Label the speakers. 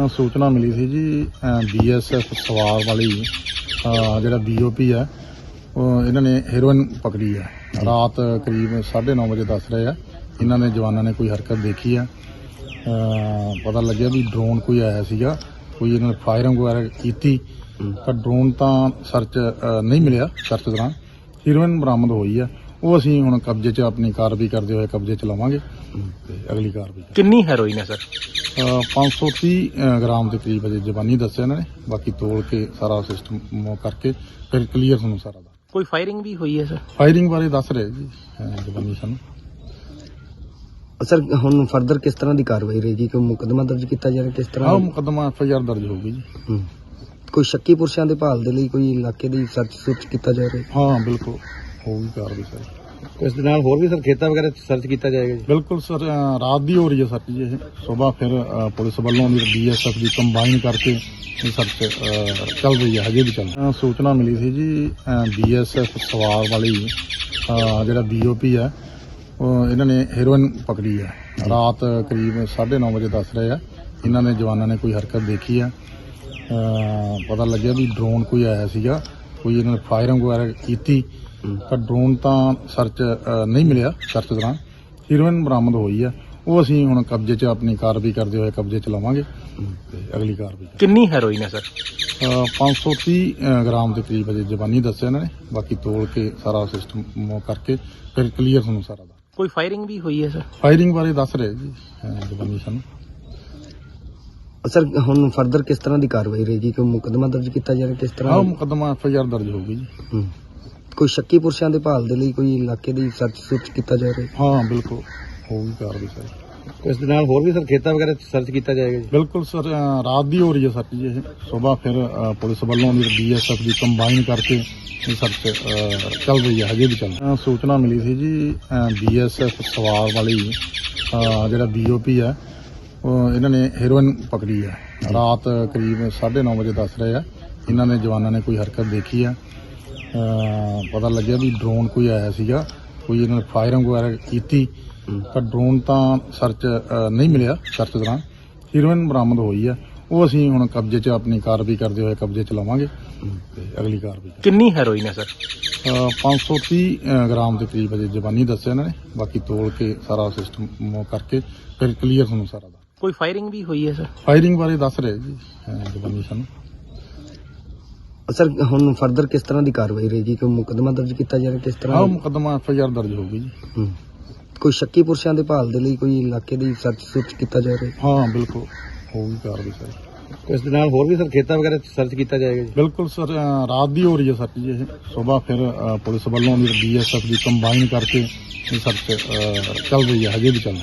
Speaker 1: सूचना मिली थी जी BSF सवार वाली ਜਿਹੜਾ BOP ਹੈ ਉਹ ਇਹਨਾਂ ਨੇ ਹੈਰੋਇਨ ਪਕੜੀ ਹੈ। ਰਾਤ ਕਰੀਬ 9:30 ਵਜੇ ਦੱਸ ਰਹੇ ਆ ਇਹਨਾਂ ਨੇ ਜਵਾਨਾਂ ਨੇ ਕੋਈ ਹਰਕਤ ਦੇਖੀ ਆ। ਪਤਾ ਲੱਗਿਆ ਵੀ ਡਰੋਨ ਕੋਈ ਆਇਆ ਸੀਗਾ, ਕੋਈ ਇਹਨਾਂ ਨੇ ਫਾਇਰਿੰਗ ਵਗੈਰਾ ਕੀਤੀ ਤਾਂ ਡਰੋਨ ਤਾਂ ਸਰਚ ਨਹੀਂ ਮਿਲਿਆ। ਸਰਚ ਦੌਰਾਨ ਹੈਰੋਇਨ ਬਰਾਮਦ ਹੋਈ ਆ, ਉਹ ਅਸੀਂ ਹੁਣ ਕਬਜ਼ੇ 'ਚ ਆਪਣੀ ਕਾਰਵਾਈ ਕਰਦੇ ਹੋਏ ਕਬਜ਼ੇ 'ਚ ਲਵਾਂਗੇ ਤੇ ਅਗਲੀ ਕਾਰਵਾਈ।
Speaker 2: ਕਿੰਨੀ ਹੈਰੋਇਨ ਹੈ ਸਰ?
Speaker 1: 530 ਗ੍ਰਾਮ ਦੇ ਕਰੀਬ ਅਜੇ ਜ਼ਬਾਨੀ ਦੱਸਿਆ ਇਹਨਾਂ ਨੇ, ਬਾਕੀ ਤੋਲ ਕੇ ਸਾਰਾ ਸਿਸਟਮ ਕਰਕੇ ਫਿਰ ਕਲੀਅਰ ਤੁਹਾਨੂੰ ਸਾਰਾ ਦਾ।
Speaker 2: ਕੋਈ ਫਾਇਰਿੰਗ ਵੀ ਹੋਈ ਹੈ ਸਰ?
Speaker 1: ਫਾਇਰਿੰਗ ਬਾਰੇ ਦੱਸ ਰਹੇ ਜੀ ਜ਼ਬਾਨੀ ਸਾਨੂੰ।
Speaker 3: ਸਰ ਹੁਣ ਫਰਦਰ ਕਿਸ ਤਰ੍ਹਾਂ ਦੀ ਕਾਰਵਾਈ ਰਹੇਗੀ? ਕੋਈ ਮੁਕੱਦਮਾ ਦਰਜ ਕੀਤਾ ਜਾ ਰਿਹਾ? ਕਿਸ ਤਰ੍ਹਾਂ
Speaker 1: ਮੁਕੱਦਮਾ FIR ਦਰਜ ਹੋਊਗੀ ਜੀ।
Speaker 3: ਕੋਈ ਸ਼ੱਕੀ ਪੁਰਸ਼ਾਂ ਦੇ ਭਾਲ ਦੇ ਲਈ ਕੋਈ ਇਲਾਕੇ ਦੀ ਸਰਚ ਸੁਰਚ ਕੀਤਾ ਜਾ ਰਿਹਾ?
Speaker 1: ਹਾਂ ਬਿਲਕੁਲ ਹੋਊਗੀ ਕਾਰਵਾਈ ਸਰ।
Speaker 3: ਇਸ ਦੇ ਨਾਲ ਹੋਰ ਵੀ ਸਰ ਖੇਤਾਂ ਵਗੈਰਾ ਸਰਚ ਕੀਤਾ ਜਾਏਗਾ ਜੀ?
Speaker 1: ਬਿਲਕੁਲ ਸਰ, ਰਾਤ ਦੀ ਹੋ ਰਹੀ ਹੈ ਸਰਚ ਜੀ। ਇਹ ਸਵੇਰ ਫਿਰ ਪੁਲਿਸ ਵੱਲੋਂ BSF ਦੀ ਕੰਬਾਈਨ ਕਰਕੇ ਸਰਚ ਚੱਲ ਰਹੀ ਹੈ, ਹਜੇ ਵੀ ਚੱਲ ਰਹੀ ਹੈ। ਸੂਚਨਾ ਮਿਲੀ ਸੀ ਜੀ BSF ਸਵਾਰ ਵਾਲੀ ਜਿਹੜਾ BOP ਹੈ ਉਹ ਇਹਨਾਂ ਨੇ ਹੈਰੋਇਨ ਪਕੜੀ ਹੈ। ਰਾਤ ਕਰੀਬ 9:30 ਵਜੇ ਦੱਸ ਰਹੇ ਆ ਇਹਨਾਂ ਨੇ ਜਵਾਨਾਂ ਨੇ ਕੋਈ ਹਰਕਤ ਦੇਖੀ ਆ। ਪਤਾ ਲੱਗਿਆ ਵੀ ਡਰੋਨ ਕੋਈ ਆਇਆ ਸੀਗਾ, ਕੋਈ ਇਹਨਾਂ ਨੇ ਫਾਇਰਿੰਗ ਵਗੈਰਾ ਕੀਤੀ ਤਾਂ ਡਰੋਨ ਤਾਂ ਸਰਚ ਨਹੀਂ ਮਿਲਿਆ। ਸਰਚ ਦੌਰਾਨ ਹੈਰੋਇਨ ਬਰਾਮਦ ਹੋਈ ਆ, ਉਹ ਅਸੀਂ ਹੁਣ ਕਬਜ਼ੇ 'ਚ ਆਪਣੀ ਕਾਰਵਾਈ ਕਰਦੇ ਹੋਏ ਕਬਜ਼ੇ 'ਚ ਲਵਾਂਗੇ ਤੇ ਅਗਲੀ ਕਾਰਵਾਈ।
Speaker 2: ਕਿੰਨੀ ਹੈਰੋਇਨ ਹੈ ਸਰ?
Speaker 1: 530 ਗ੍ਰਾਮ ਦੇ ਕਰੀਬ ਅਜੇ ਜ਼ਬਾਨੀ ਦੱਸਿਆ ਇਹਨਾਂ ਨੇ, ਬਾਕੀ ਤੋਲ ਕੇ ਸਾਰਾ ਸਿਸਟਮ ਕਰਕੇ ਫਿਰ ਕਲੀਅਰ ਤੁਹਾਨੂੰ ਸਾਰਾ ਦਾ।
Speaker 2: ਕੋਈ ਫਾਇਰਿੰਗ ਵੀ ਹੋਈ ਹੈ ਸਰ?
Speaker 1: ਫਾਇਰਿੰਗ ਬਾਰੇ ਦੱਸ ਰਹੇ ਜੀ ਜ਼ਬਾਨੀ ਸਾਨੂੰ।
Speaker 3: ਸਰ ਹੁਣ ਫਰਦਰ ਕਿਸ ਤਰ੍ਹਾਂ ਦੀ ਕਾਰਵਾਈ ਰਹੇਗੀ? ਕੋਈ ਮੁਕੱਦਮਾ ਦਰਜ ਕੀਤਾ ਜਾ ਰਿਹਾ? ਕਿਸ ਤਰ੍ਹਾਂ
Speaker 1: ਮੁਕੱਦਮਾ FIR ਦਰਜ ਹੋਊਗੀ ਜੀ।
Speaker 3: ਕੋਈ ਸ਼ੱਕੀ ਪੁਰਸ਼ਾਂ ਦੇ ਭਾਲ ਦੇ ਲਈ ਕੋਈ ਇਲਾਕੇ ਦੀ ਸਰਚ ਸੁਰਚ ਕੀਤਾ ਜਾ ਰਿਹਾ?
Speaker 1: ਹਾਂ ਬਿਲਕੁਲ ਹੋਊਗੀ ਕਾਰਵਾਈ ਸਰ।
Speaker 3: ਇਸ ਦੇ ਨਾਲ ਹੋਰ ਵੀ ਸਰ ਖੇਤਾਂ ਵਗੈਰਾ ਸਰਚ ਕੀਤਾ ਜਾਏਗਾ ਜੀ?
Speaker 1: ਬਿਲਕੁਲ ਸਰ, ਰਾਤ ਦੀ ਹੋ ਰਹੀ ਹੈ ਸਰਚ ਜੀ। ਇਹ ਸਵੇਰ ਫਿਰ ਪੁਲਿਸ ਵੱਲੋਂ BSF ਦੀ ਕੰਬਾਈਨ ਕਰਕੇ ਸਰਚ ਚੱਲ ਰਹੀ ਹੈ, ਹਜੇ ਵੀ ਚੱਲ ਰਹੀ ਹੈ। ਸੂਚਨਾ ਮਿਲੀ ਸੀ ਜੀ BSF ਸਵਾਰ ਵਾਲੀ ਜਿਹੜਾ BOP ਹੈ ਉਹ ਇਹਨਾਂ ਨੇ ਹੈਰੋਇਨ ਪਕੜੀ ਹੈ। ਰਾਤ ਕਰੀਬ 9:30 ਵਜੇ ਦੱਸ ਰਹੇ ਆ ਇਹਨਾਂ ਨੇ ਜਵਾਨਾਂ ਨੇ ਕੋਈ ਹਰਕਤ ਦੇਖੀ ਆ। ਪਤਾ ਲੱਗਿਆ ਵੀ ਡਰੋਨ ਕੋਈ ਆਇਆ ਸੀਗਾ, ਕੋਈ ਇਹਨਾਂ ਨੇ ਫਾਇਰਿੰਗ ਵਗੈਰਾ ਕੀਤੀ ਤਾਂ ਡਰੋਨ ਤਾਂ ਸਰਚ ਨਹੀਂ ਮਿਲਿਆ। ਸਰਚ ਦੌਰਾਨ ਹੈਰੋਇਨ ਬਰਾਮਦ ਹੋਈ ਆ, ਉਹ ਅਸੀਂ ਹੁਣ ਕਬਜ਼ੇ 'ਚ ਆਪਣੀ ਕਾਰਵਾਈ ਕਰਦੇ ਹੋਏ ਕਬਜ਼ੇ 'ਚ ਲਵਾਂਗੇ ਤੇ ਅਗਲੀ ਕਾਰਵਾਈ।
Speaker 2: ਕਿੰਨੀ ਹੈਰੋਇਨ ਹੈ ਸਰ?
Speaker 1: 530 ਗ੍ਰਾਮ ਦੇ ਕਰੀਬ ਅਜੇ ਜ਼ਬਾਨੀ ਦੱਸਿਆ ਇਹਨਾਂ ਨੇ, ਬਾਕੀ ਤੋਲ ਕੇ ਸਾਰਾ ਸਿਸਟਮ ਕਰਕੇ ਫਿਰ ਕਲੀਅਰ ਤੁਹਾਨੂੰ ਸਾਰਾ ਦਾ।
Speaker 2: ਕੋਈ ਫਾਇਰਿੰਗ ਵੀ ਹੋਈ ਹੈ ਸਰ?
Speaker 1: ਫਾਇਰਿੰਗ ਬਾਰੇ ਦੱਸ ਰਹੇ ਜੀ ਜ਼ਬਾਨੀ ਸਾਨੂੰ।
Speaker 3: ਸਰ ਹੁਣ ਫਰਦਰ ਕਿਸ ਤਰ੍ਹਾਂ ਦੀ ਕਾਰਵਾਈ ਰਹੇਗੀ? ਕੋਈ ਮੁਕੱਦਮਾ ਦਰਜ ਕੀਤਾ ਜਾ ਰਿਹਾ? ਕਿਸ ਤਰ੍ਹਾਂ
Speaker 1: ਮੁਕੱਦਮਾ FIR ਦਰਜ ਹੋਊਗੀ ਜੀ।
Speaker 3: ਕੋਈ ਸ਼ੱਕੀ ਪੁਰਸ਼ਾਂ ਦੇ ਭਾਲ ਦੇ ਲਈ ਕੋਈ ਇਲਾਕੇ ਦੀ ਸਰਚ ਸੁਰਚ ਕੀਤਾ ਜਾ ਰਿਹਾ?
Speaker 1: ਹਾਂ ਬਿਲਕੁਲ ਹੋਊਗੀ ਕਾਰਵਾਈ ਸਰ।
Speaker 3: ਇਸ ਦੇ ਨਾਲ ਹੋਰ ਵੀ ਸਰ ਖੇਤਾਂ ਵਗੈਰਾ ਸਰਚ ਕੀਤਾ ਜਾਏਗਾ ਜੀ?
Speaker 1: ਬਿਲਕੁਲ ਸਰ, ਰਾਤ ਦੀ ਹੋ ਰਹੀ ਹੈ ਸਰਚ ਜੀ। ਇਹ ਸਵੇਰ ਫਿਰ ਪੁਲਿਸ ਵੱਲੋਂ BSF ਦੀ ਕੰਬਾਈਨ ਕਰਕੇ ਸਰਚ ਚੱਲ ਰਹੀ ਹੈ, ਹਜੇ ਵੀ ਚੱਲ ਰਹੀ ਹੈ।